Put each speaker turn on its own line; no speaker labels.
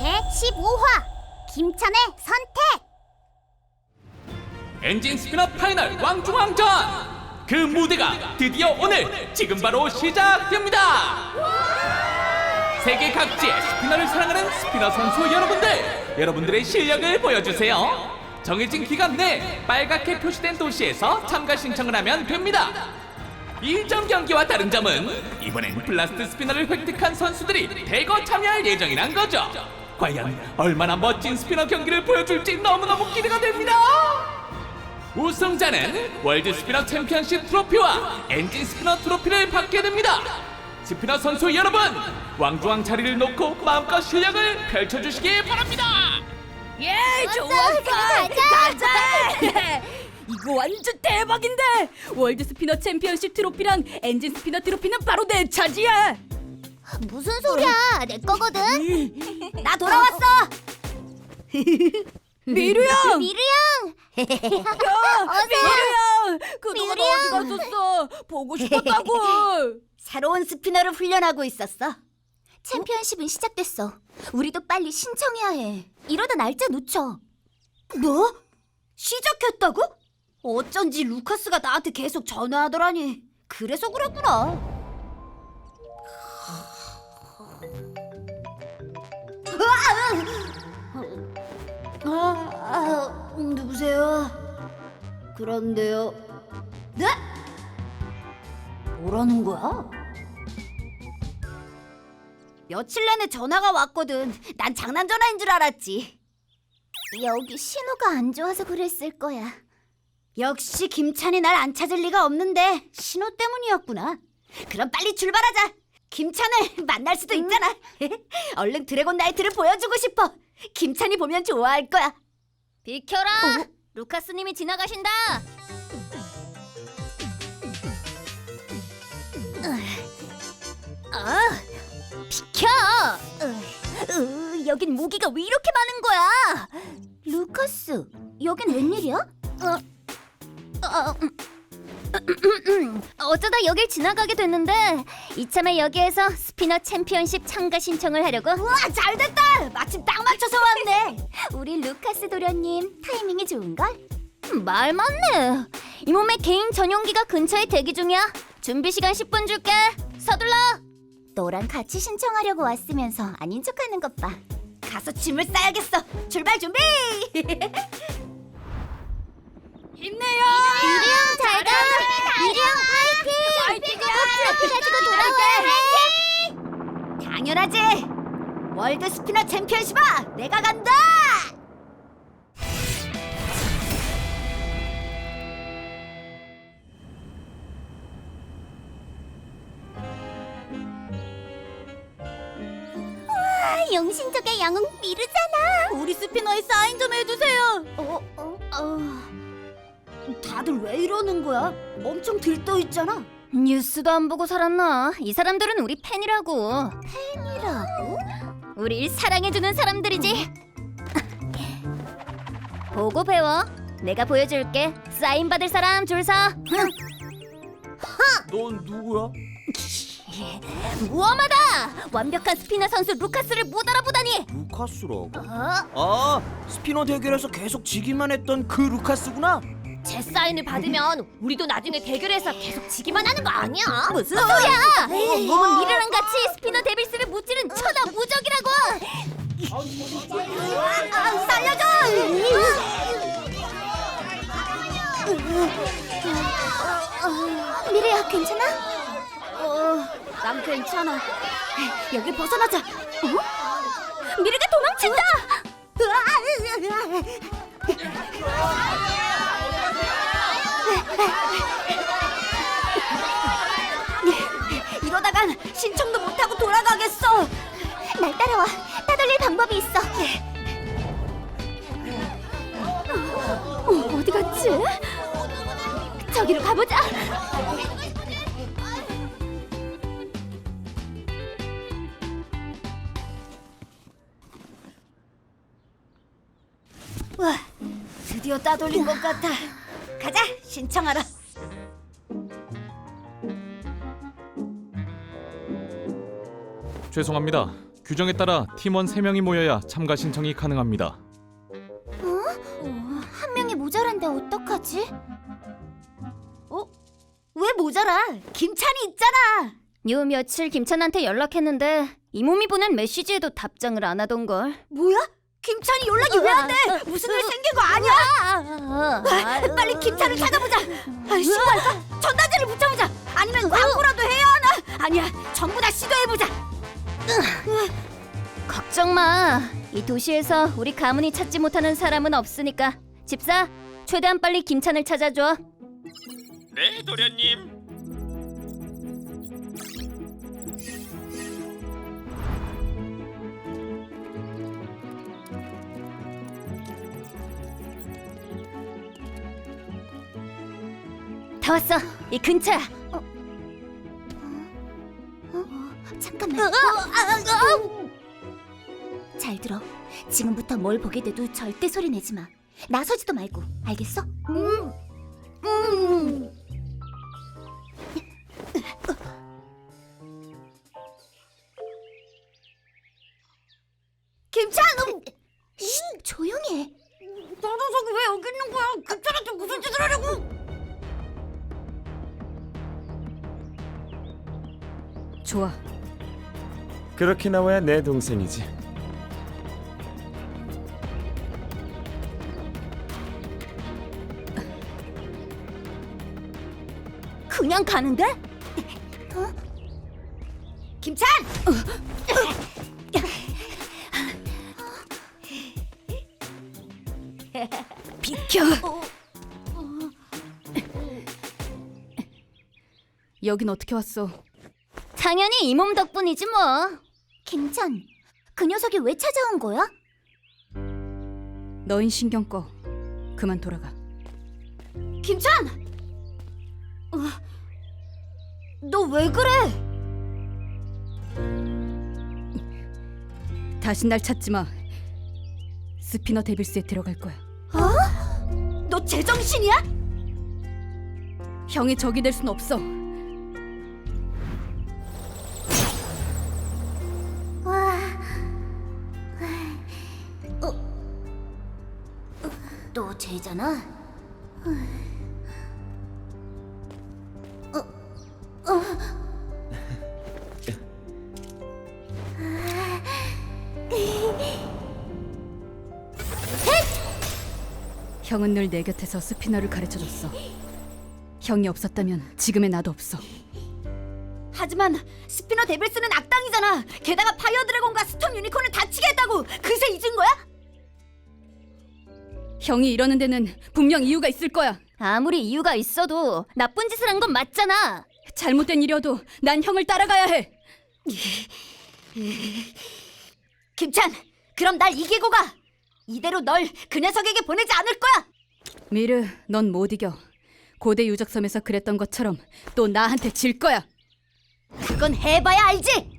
제15화 김찬의 선택.
엔진 스피너 파이널 왕중왕전! 그 무대가 드디어 오늘 지금 바로 시작됩니다! 세계 각지의 스피너를 사랑하는 스피너 선수 여러분들의 실력을 보여주세요. 정해진 기간 내 빨갛게 표시된 도시에서 참가 신청을 하면 됩니다. 일정 경기와 다른 점은 이번엔 블라스트 스피너를 획득한 선수들이 대거 참여할 예정이란 거죠. 과연 얼마나 멋진 스피너 경기를 보여줄지 너무너무 기대가 됩니다. 우승자는 월드 스피너 챔피언십 트로피와 엔진 스피너 트로피를 받게 됩니다. 스피너 선수 여러분, 왕중왕 자리를 놓고 마음껏 실력을 펼쳐주시기 바랍니다.
예, 좋았어. 가자. 이거 완전 대박인데. 월드 스피너 챔피언십 트로피랑 엔진 스피너 트로피는 바로 내 차지야.
무슨 소리야? 내 거거든.
나 돌아왔어. 미루 형.
미루 형.
미루 형. 그동안
미루 형.
어디 갔었어? 보고 싶었다고.
새로운 스피너를 훈련하고 있었어.
챔피언십은 시작됐어. 우리도 빨리 신청해야 해. 이러다 날짜 놓쳐.
뭐? 시작했다고? 어쩐지 루카스가 나한테 계속 전화하더라니. 그래서 그랬구나. 누구세요? 그런데요. 네? 뭐라는 거야? 며칠 내내 전화가 왔거든. 난 장난 전화인 줄 알았지.
여기 신호가 안 좋아서 그랬을 거야.
역시 김찬이 날 안 찾을 리가 없는데 신호 때문이었구나. 그럼 빨리 출발하자. 김찬을 만날 수도 있잖아. 얼른 드래곤 나이트를 보여주고 싶어. 김찬이 보면 좋아할 거야.
비켜라. 루카스님이 지나가신다. 비켜. 여긴 모기가 왜 이렇게 많은 거야? 루카스, 여긴 웬일이야? 어쩌다 여길 지나가게 됐는데 이참에 여기에서 스피너 챔피언십 참가 신청을 하려고.
우와, 잘됐다. 마침 딱 맞춰서 왔네.
우리 루카스 도련님 타이밍이 좋은걸? 말 맞네. 이 몸에 개인 전용기가 근처에 대기 중이야. 준비 시간 10분 줄게. 서둘러. 너랑 같이 신청하려고 왔으면서 아닌 척하는 것 봐.
가서 짐을 싸야겠어. 출발 준비.
힘내요.
미리 형 잘 가. 미리 형 파이팅. 꼭 가지고 돌아와.
당연하지. 월드 스피너 챔피언십아, 내가 간다.
용신족의 영웅 미르잖아.
우리 스피너에 사인 좀 해주세요. 다들 왜 이러는 거야? 엄청 들떠 있잖아.
뉴스도 안 보고 살았나? 이 사람들은 우리 팬이라고.
팬이라고?
우릴 사랑해주는 사람들이지. 보고 배워. 내가 보여줄게. 사인 받을 사람 줄 서.
넌 누구야?
무엄하다. 완벽한 스피너 선수 루카스를 못 알아보다니.
루카스라고? 아, 스피너 대결에서 계속 지기만 했던 그 루카스구나?
제 사인을 받으면 우리도 나중에 대결해서 계속 지기만 하는 거 아니야? 무슨 소리야? 몸은 미르랑 같이 스피너 데빌스를 무찌른 천하 무적이라고.
살려줘!
미르야 괜찮아?
난 괜찮아. 여길 벗어나자.
미르가 도망친다.
이러다간 신청도 못하고 돌아가겠어.
날 따라와. 따돌릴 방법이 있어. 어디 갔지? 저기로 가보자.
와, 드디어 따돌린 것 같아. 가자, 신청하러.
죄송합니다.
규정에 따라 팀원 3명이 모여야 참가 신청이 가능합니다.
한 명이 모자란데 어떡하지?
왜 모자라? 김찬이 있잖아.
요 며칠 김찬한테 연락했는데 이 몸이 보낸 메시지에도 답장을 안 하던걸.
뭐야? 김찬이 연락이 왜 안 돼? 무슨 일 생긴 거 아니야? 빨리 김찬을 찾아보자. 신고할까? 전단지를 붙여보자. 아니면 광고라도 해야 하나? 아니야, 전부 다 시도해보자.
걱정 마. 이 도시에서 우리 가문이 찾지 못하는 사람은 없으니까. 집사, 최대한 빨리 김찬을 찾아줘.
네, 도련님.
다 왔어. 이 근처야.
잠깐만.
잘 들어. 지금부터 뭘 보게 돼도 절대 소리 내지 마. 나서지도 말고. 알겠어?
김찬!
조용히 해.
저 녀석이 왜 여기 있는 거야? 김찬한테 무슨 짓을 하려고?
좋아.
그렇게 나와야 내 동생이지.
그냥 가는데?
김찬!
비켜. 여긴 어떻게 왔어?
당연히 이 몸 덕분이지 뭐. 김찬, 그 녀석이 왜 찾아온 거야?
너인 신경 꺼. 그만 돌아가.
김찬! 너 왜 그래?
다신 날 찾지 마. 스피너 데빌스에 들어갈 거야.
너 제정신이야?
형이 적이 될 순 없어.
너 쟤잖아.
형은 늘 내 곁에서 스피너를 가르쳐줬어. 형이 없었다면 지금의 나도 없어.
하지만 스피너 데빌스는 악당이잖아. 게다가 파이어 드래곤과 스톰 유니콘을 다치게 했다고. 그새 잊은 거야?
형이 이러는 데는 분명 이유가 있을 거야.
아무리 이유가 있어도 나쁜 짓을 한 건 맞잖아.
잘못된 일이어도 난 형을 따라가야 해.
김찬, 그럼 날 이기고 가. 이대로 널 그 녀석에게 보내지 않을 거야.
미르, 넌 못 이겨. 고대 유적섬에서 그랬던 것처럼 또 나한테 질 거야.
그건 해봐야 알지.